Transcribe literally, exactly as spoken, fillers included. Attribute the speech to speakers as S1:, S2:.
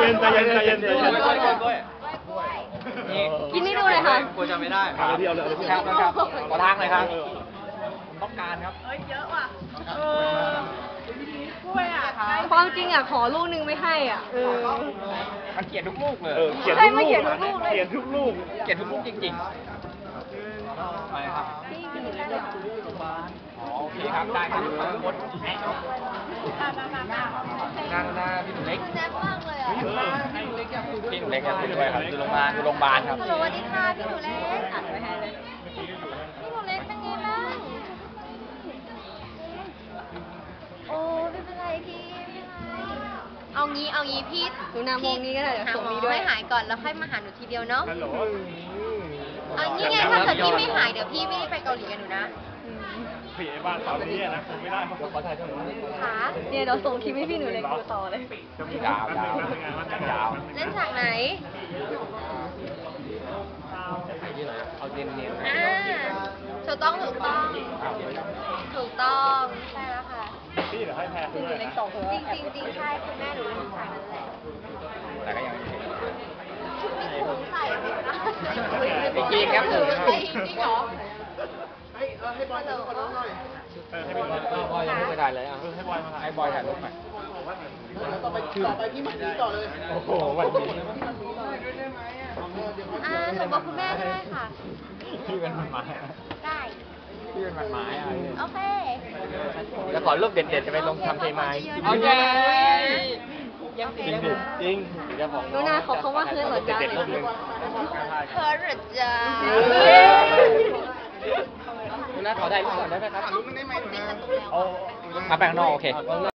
S1: นใจเย็นใจเย็นใจเย็น
S2: กินไม่ดูเลยค่ะ
S3: กลัวจะไม่ได้
S1: เอาที่เอาเลย
S3: ครับครับขอทางหน่อยครับผมต้องการครับ
S4: เฮ้ยเยอะว่ะเออกล้วยอ่ะ
S2: ความจริงอ่ะขอลูกนึงไม่ให้อ่ะเออ
S3: มันเกลียดทุกลูกเลย
S1: เขียนทุกลูกเขียนทุกลูกเขียนทุกลูก
S3: เกลียดทุกลูกจริงๆไปครับโอเคครับได้ครับหมดนั่งหน้าพี่หนูเล็ก
S2: แซ่บมากเลยอ่ะ
S3: พี่หนูเล็กครับคุยด้วยครับอยู่โรงพยาบาลอยู่โรงพยาบาลครับ
S2: สวัสดีค่ะพี่หนูเล็กอัดไว้ให้เลยพี่หนูเล็กเป็นไงบ้างโอ้ไม่เป็นไรพี่ไม่เป็นไรเอางี้เอางี้พี่หนูนามงนี้ก็ได้เดี๋ยวส่งนี้ด้วยให้หายก่อนแล้วค่อยมาหาหนูทีเดียวเนาะเอางี้ไงถ้าเกิดพี่ไม่หายเดี๋ยวพี่ไม่ได้ไปเกาหลีกับหนูนะ
S1: ผีไอ้บ้านเสานี้นะคงไม่ได้เพราะเขาถ่ายช่วงนี้
S2: ค่ะเนี่ยเราส่งคลิปให้พี่หนูเล็กดูต่อเลย
S3: ยาวยาวยาว
S2: เล่นฉากไหน
S3: เอาเนียนเนียน
S2: อ่าถูกต้องถูกต้องถูกต้องใช่แล้วค่ะ
S1: พี่เดี๋ยวให้แพ้คุณเลย
S2: จริงจริงจริงใช่คุณแม่หนูเล่นฉากนั้นแหละ
S3: แต่ก็ยัง
S2: มีถุงใส่ไหมคะ
S3: จริงครับผม
S2: จริงเหรอ
S1: ให้ให้บอยถ่ายรูปกับน้องหน่อยเออให้บอย
S3: บอยยังไม่ได้เลยอ่ะ
S1: ให้บอยมาถ่าย
S3: ให้บอยถ่ายรูปหน่อย
S1: ต่อไปต่อไปพี่หมันดีต่อเลยโอ้โหวันนี้
S2: อ่าหนูบอกคุณแม่ได้ค่ะ
S3: พี่เป็นมันไม้
S2: ได้
S3: พี่เป็นมันไม้อ่ะ
S2: โอเค
S3: แล้วขอรูปเด็ดๆจะไปลงทำเพลงไม้โอเค
S1: ยังจริงดิจริง
S2: ดูนาขอเขาว่าเพื่อนเหรอจ๊ะเพื่อนเหรอจ๊ะ
S3: คุณน้าขอได้รูปก่อนได้ไหมครับ
S1: เอา
S3: มาแบ่งนอกโอเค